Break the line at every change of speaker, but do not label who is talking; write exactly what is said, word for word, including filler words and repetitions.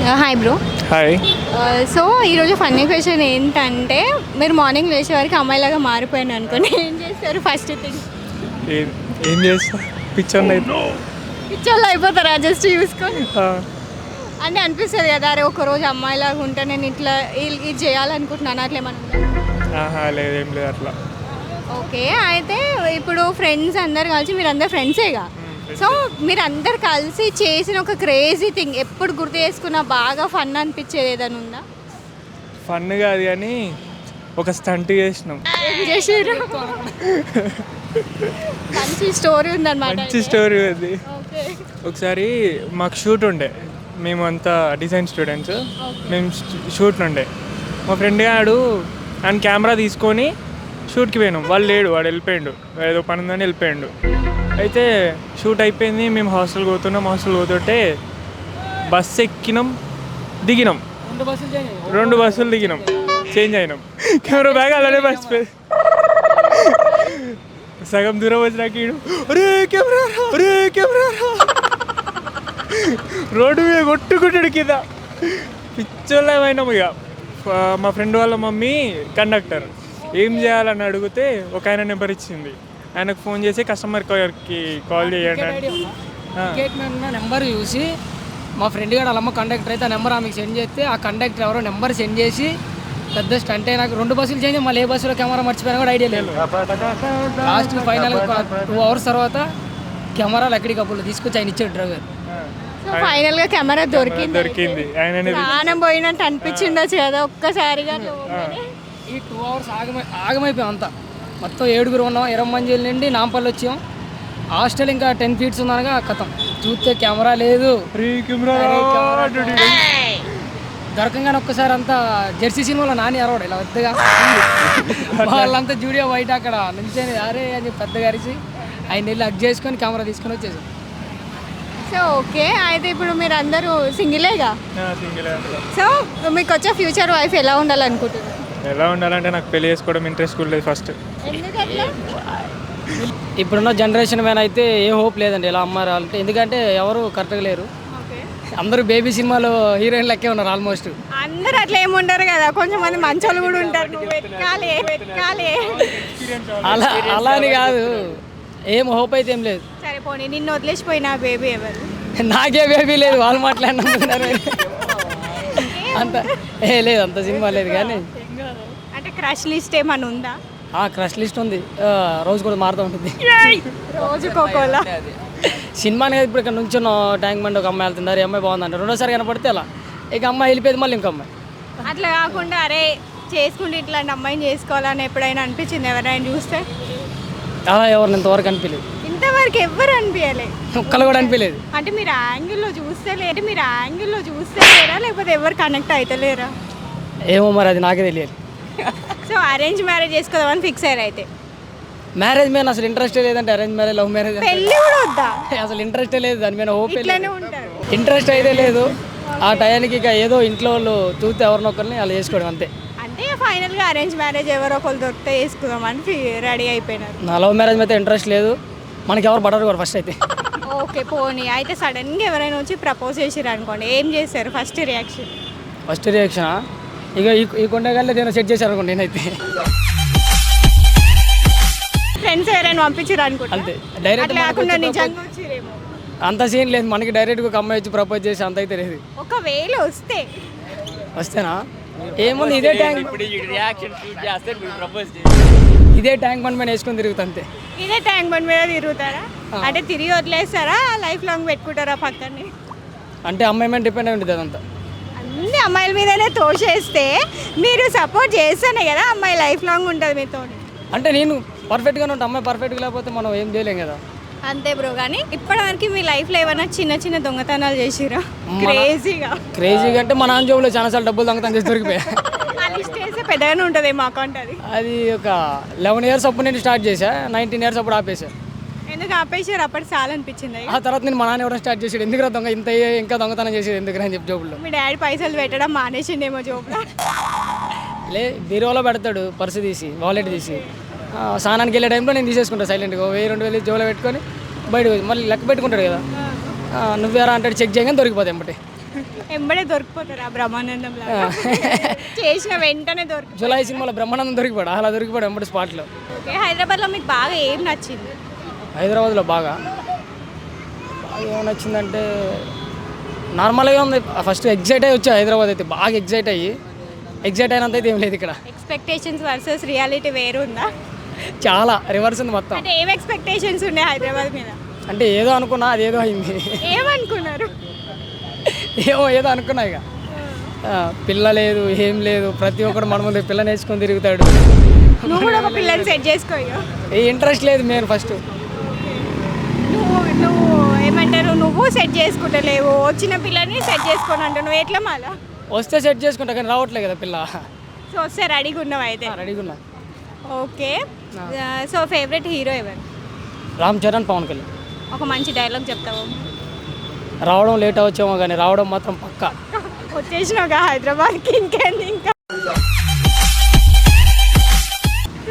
Hi bro.
Hi.
So ఈరోజు funny question ఏంటంటే, మీరు మార్నింగ్ లేచే వరకు అమ్మాయిలాగా మారిపోయాను అనుకోండి, ఏం చేస్తారు ఫస్ట్ థింగ్?
ఏం ఏం చేస్తా పిచ్చోళ్ళు అయితే
పిచ్చోళ్ళు అయిపోతారా జస్ట్ చూసుకొని? అంటే అనిపిస్తుంది కదా, అరే ఒకరోజు అమ్మాయిలాగా ఉంటే నేను ఇట్లా ఇ- ఇది చేయాలనుకుంటున్నాను, అట్లా ఏమన్నా ఉందా?
ఆహా లేదు ఏం లేదు అట్లా.
ఓకే, అయితే ఇప్పుడు ఫ్రెండ్స్ అందరు కలిసి, మీరు అందరు ఫ్రెండ్సేగా, సో మీరు అందరు కలిసి చేసిన ఒక క్రేజీ థింగ్ ఎప్పుడు గుర్తు చేసుకున్నా బాగా ఫన్ అనిపించేది ఏదైనా ఉందా?
ఫన్ కాదు కానీ ఒక స్టంట్ చేసినాం.
ఏం చేసారు? మంచి స్టోరీ ఉందన్నమాట.
మంచి స్టోరీ అది.
ఓకే.
ఒకసారి మాకు షూట్ ఉండే, మేము అంతా డిజైన్ స్టూడెంట్స్, మేము షూట్ ఉండే. మా ఫ్రెండ్ గాడు ఆయన కెమెరా తీసుకొని షూట్కి పోయినాం. వాళ్ళు లేడు, వాడు వెళ్ళిపోయాడు, ఏదో పని ఉందని వెళ్ళిపోయాడు. అయితే షూట్ అయిపోయింది, మేము హాస్టల్ పోతున్నాం. హాస్టల్ పోతుంటే బస్సు ఎక్కినాం, దిగినాం, రెండు బస్సులు దిగినాం, చేంజ్ అయినాం. కెమెరా బ్యాగ్ అలానే మర్చిపోయి సగం దూరం వచ్చినాక ఈడు ఒరే కెమెరా ఒరే కెమెరా రోడ్డు మీద కొట్టుకుంటాడు కింద. పిచ్చోళ్ళమైనాం ఇక. మా ఫ్రెండ్ వాళ్ళ మమ్మీ కండక్టర్, ఏం చేయాలని అడిగితే ఒక ఆయన నెంబర్ ఇచ్చింది. ఆయనకు ఫోన్ చేసి కస్టమర్ కేర్కి కాల్ చేయండి.
నెంబర్ చూసి మా ఫ్రెండ్ గారు వాళ్ళమ్మ కండక్టర్ అయితే ఆ నెంబర్ ఆమెకు సెండ్ చేస్తే, ఆ కండక్టర్ ఎవరో నెంబర్ సెండ్ చేసి పెద్ద స్టంట్ అయినా రెండు బస్సులు చేంజ్, మళ్ళీ ఏ బస్సులో కెమెరా మర్చిపోయినా కూడా ఐడియా లేదు. లాస్ట్ ఫైనల్ టూ అవర్స్ తర్వాత కెమెరాలు ఎక్కడికి అప్పుడు తీసుకొచ్చి ఆయన ఇచ్చాడు డ్రైవర్.
సో ఫైనల్ గా కెమెరా దొరికింది.
దొరికింది ఆయన
ప్రాణం పోయినట్టు అనిపించిండొచ్చు కదా ఒక్కసారిగా.
ఈ టూ అవర్స్ ఆగమై ఆగమైపోయాం అంతా. మొత్తం ఏడుగురు ఉన్నాం, ఇరవై మంది నుండి నాంపల్లి వచ్చాం. హాస్టల్ ఇంకా టెన్ ఫీట్స్ ఉందనగా కథం చూస్తే కెమెరా లేదు. దొరకంగానే ఒక్కసారి అంతా జెర్సీ సినిమాలో నాని అరవాడు ఇలా పెద్దగా, వాళ్ళంతా జూడియో బయట అక్కడ నుంచొని అరే అని చెప్పి పెద్దగా అరిచి ఆయన వెళ్ళి హగ్ చేసుకొని కెమెరా తీసుకొని వచ్చేసాం.
సో ఓకే, అయితే ఇప్పుడు మీరు అందరూ సింగిలేగా,
సింగిల్.
సో మీకు వచ్చే ఫ్యూచర్ వైఫ్ ఎలా ఉండాలనుకుంటున్నారు?
ఎలా ఉండాలంటే నాకు పెళ్లి చేసుకోవడం ఇంట్రెస్ట్ కూడా లేదు ఫస్ట్.
ఎందుకట్లా?
ఇప్పుడున్న జనరేషన్ మీద అయితే ఏ హోప్ లేదండి ఇలా అమ్మారు అంటే, ఎందుకంటే ఎవరు కరెక్ట్గా లేరు. అందరూ బేబీ సినిమాలో హీరోయిన్ లెక్కే ఉన్నారు ఆల్మోస్ట్.
అందరూ అట్లా ఏమి ఉండరు కదా, కొంచెం మంది మంచోళ్ళు కూడా ఉంటారు. నువ్వు వెతకాలి వెతకాలి.
అలా అలా అని కాదు, ఏం హోప్ అయితే ఏం లేదు.
సరే పోనీ, నిన్ను వదిలేసిపోయిన బేబీ ఎవరు?
నాకే బేబీ లేదు, వాళ్ళు మాట్లాడినారు అంత ఏ లేదు, అంత సినిమా లేదు. కానీ
అంటే క్రష్ లిస్ట్ ఏమన్నా ఉందా?
ఆ క్రష్ లిస్ట్ ఉంది, రోజు కూడా మారుతూ ఉంటుంది.
రోజుకోకోలా
సినిమా అనేది ఇప్పుడు ఇక్కడ నుంచి ట్యాంక్ బండ్ ఒక అమ్మాయి వెళ్తున్నారు, ఈ అమ్మాయి బాగుందంట, రెండోసారి కనపడితే అలా ఇక అమ్మాయి వెళ్ళిపోయింది, మళ్ళీ ఇంకో అమ్మాయి.
అట్లా కాకుండా అరే చేసుకుంటే ఇట్లాంటి అమ్మాయిని చేసుకోవాలని ఎప్పుడైనా అనిపించింది ఎవరైనా చూస్తే?
అలా ఎవరిని ఇంతవరకు అనిపించలేదు,
ఇంతవరకు ఎవ్వరు అనిపించలేదు,
ఒక్కళ్ళు కూడా అనిపించలేదు.
అంటే మీరు యాంగిల్లో చూస్తే లేదు, మీరు యాంగిల్లో చూస్తే లేరా, లేకపోతే ఎవరు కనెక్ట్ అవుతలేరా?
ఏమో మరి అది నాకే తెలియదు.
సో అరేంజ్ మ్యారేజ్ చేసుకోదామని ఫిక్స్ అయ్యారు అయితే?
మ్యారేజ్ మీద అసలు ఇంట్రెస్టే లేదంటే, అరేంజ్ మ్యారేజ్ లవ్ మ్యారేజ్
పెళ్ళి కూడా వద్దా?
అసలు ఇంట్రెస్టే లేదు, దాని మీద హోప్
ఇట్లానే ఉంటారు.
ఇంట్రెస్ట్ అయితే లేదు. ఆ టయానికి ఇక ఏదో ఇంట్లో వాళ్ళు చూస్తే ఎవరినొకరిని అలా చేసుకోవడం అంతే.
అంటే ఫైనల్గా అరేంజ్ మ్యారేజ్ ఎవరో ఒకరు దొరికితే చేసుకుందామని రెడీ అయిపోయినారు.
నా లవ్ మ్యారేజ్ మీద ఇంట్రెస్ట్ లేదు, మనకి ఎవరు పడరు కూడా ఫస్ట్ అయితే.
ఓకే పోనీ, అయితే సడన్గా ఎవరైనా వచ్చి ప్రపోజ్ చేసారు అనుకోండి, ఏం చేస్తారు ఫస్ట్ రియాక్షన్?
ఫస్ట్ రియాక్షనా, ఇక ఈ ఈ కొండగాల్లో నేను సెట్ చేశాను అనుకోండి నేనైతే.
ఫ్రెండ్స్ ఎవరైనా పంపించారు అనుకుంటా,
అంతే డైరెక్ట్.
అట్లా కాకుండా నిజంగా వచ్చిరేమో?
అంత సీన్ లేదు మనకి, డైరెక్ట్గా ఒక అమ్మాయి వచ్చి ప్రపోజ్ చేసి అంత అయితే లేదు.
ఒకవేళ వస్తే
వస్తేనా ఏముంది, ఇదే ట్యాంక్ ఇదే ట్యాంక్ బండ్ మీద వేసుకొని తిరుగుతా అంతే.
ఇదే ట్యాంక్ బండ్ మీద తిరుగుతారా? అంటే తిరిగి వదిలేస్తారా, లైఫ్ లాంగ్ పెట్టుకుంటారా పక్కనే?
అంటే అమ్మాయి మీద డిపెండ్ అయి ఉంటుంది అదంతా.
అన్ని అమ్మాయిల మీదనే తోసేస్తే మీరు సపోర్ట్ చేస్తేనే కదా అమ్మాయి లైఫ్ లాంగ్ ఉంటుంది మీతో.
అంటే నేను పర్ఫెక్ట్గానే ఉంటాను, అమ్మాయి పర్ఫెక్ట్గా లేకపోతే మనం ఏం చేయలేం కదా.
అంతే బ్రో. కానీ ఇప్పటివరకు మీ లైఫ్లో ఏమైనా చిన్న చిన్న దొంగతనాలు చేసిరా క్రేజీగా?
క్రేజీగా అంటే మా నాన్న జోబులో చాలాసార్లు డబ్బులు దొంగతనం చేసి దొరికిపోయా.
చేస్తే పెద్దగానే ఉంటుంది మా అకౌంట్. అది
అది ఒక లెవెన్ ఇయర్స్ అప్పుడు నేను స్టార్ట్ చేశా, నైన్టీన్ ఇయర్స్ అప్పుడు ఆపేసా.
ఎందుకు ఆపేసారు? అప్పటి చాలా అనిపించింది.
ఆ తర్వాత నేను మా నాన్న ఎవరైనా స్టార్ట్ చేసాడు, ఎందుకు దొంగ ఇంత ఇంకా దొంగతనం చేసేది ఎందుకు అని చెప్పి జోబుల్లో.
మీ డాడీ పైసలు పెట్టడం మానేసిండేమో జోబులో.
లే బీరువాలో పెడతాడు, పర్సు తీసి వాలెట్ తీసి, స్నానానికి వెళ్ళే టైంలో నేను తీసేసుకుంటాను సైలెంట్గా, వెయ్యి రెండు వేలు జోబులో పెట్టుకొని బయటకు మళ్ళీ లెక్క పెట్టుకుంటాడు కదా, నువ్వేరా అంటే చెక్ చేయగానే దొరికిపోతాయి అమ్మటే.
ఎంబడే దొరికిపోతారు ఆ బ్రహ్మానందం లాగా చేసిన వెంటనే దొరికి.
జులై సినిమాలో బ్రహ్మానందం దొరికిపోయాడు, అలా దొరికిపోయాడు ఎంబడి స్పాట్లో.
ఓకే, హైదరాబాద్లో మీకు బాగా ఏం నచ్చింది?
హైదరాబాద్లో బాగా బాగా ఏం నచ్చిందంటే నార్మల్గా ఉంది. ఫస్ట్ ఎగ్జైట్ అయ్యి వచ్చా హైదరాబాద్ అయితే, బాగా ఎగ్జైట్ అయ్యి ఎగ్జైట్ అయినంత అయితే ఏం లేదు ఇక్కడ.
ఎక్స్పెక్టేషన్స్ వర్సెస్ రియాలిటీ వేరు ఉందా?
చాలా రివర్స్ ఉంది మొత్తం.
అంటే ఏం ఎక్స్పెక్టేషన్స్ ఉన్నాయి హైదరాబాద్ మీద?
అంటే ఏదో అనుకున్నా అది ఏదో అయింది.
ఏమనుకున్నారు?
ఏమో ఏదో అనుకున్నా ఇక. ఆ, పిల్ల లేదు ఏం లేదు, ప్రతి ఒక్కడు మన ముందు పిల్ల నేర్చుకొని తిరుగుతాడు.
నువ్వు కూడా ఒక పిల్లని సెట్ చేసుకో.
ఏ ఇంట్రెస్ట్ లేదు మేము ఫస్ట్.
నువ్వు నువ్వు ఏమంటారు, నువ్వు సెట్ చేసుకుంటలేవు, వచ్చిన పిల్లని సెట్ చేసుకొని అంటావు, నువ్వు ఎట్లా మాలా?
వస్తే సెట్ చేసుకుంటా కానీ రావట్లే కదా పిల్ల.
సో వస్తే రెడీగా ఉన్నావు అయితే?
రెడీగా ఉన్నా.
ఓకే, సో ఫేవరెట్ హీరో ఎవరు?
రామ్ చరణ్, పవన్ కళ్యాణ్.
ఒక మంచి డైలాగ్ చెప్తావు?
రావడం లేట్ అవచ్చేమో కానీ రావడం మాత్రం పక్కా.
వచ్చేసినావుగా హైదరాబాద్కి, ఇంకేంది ఇంకా?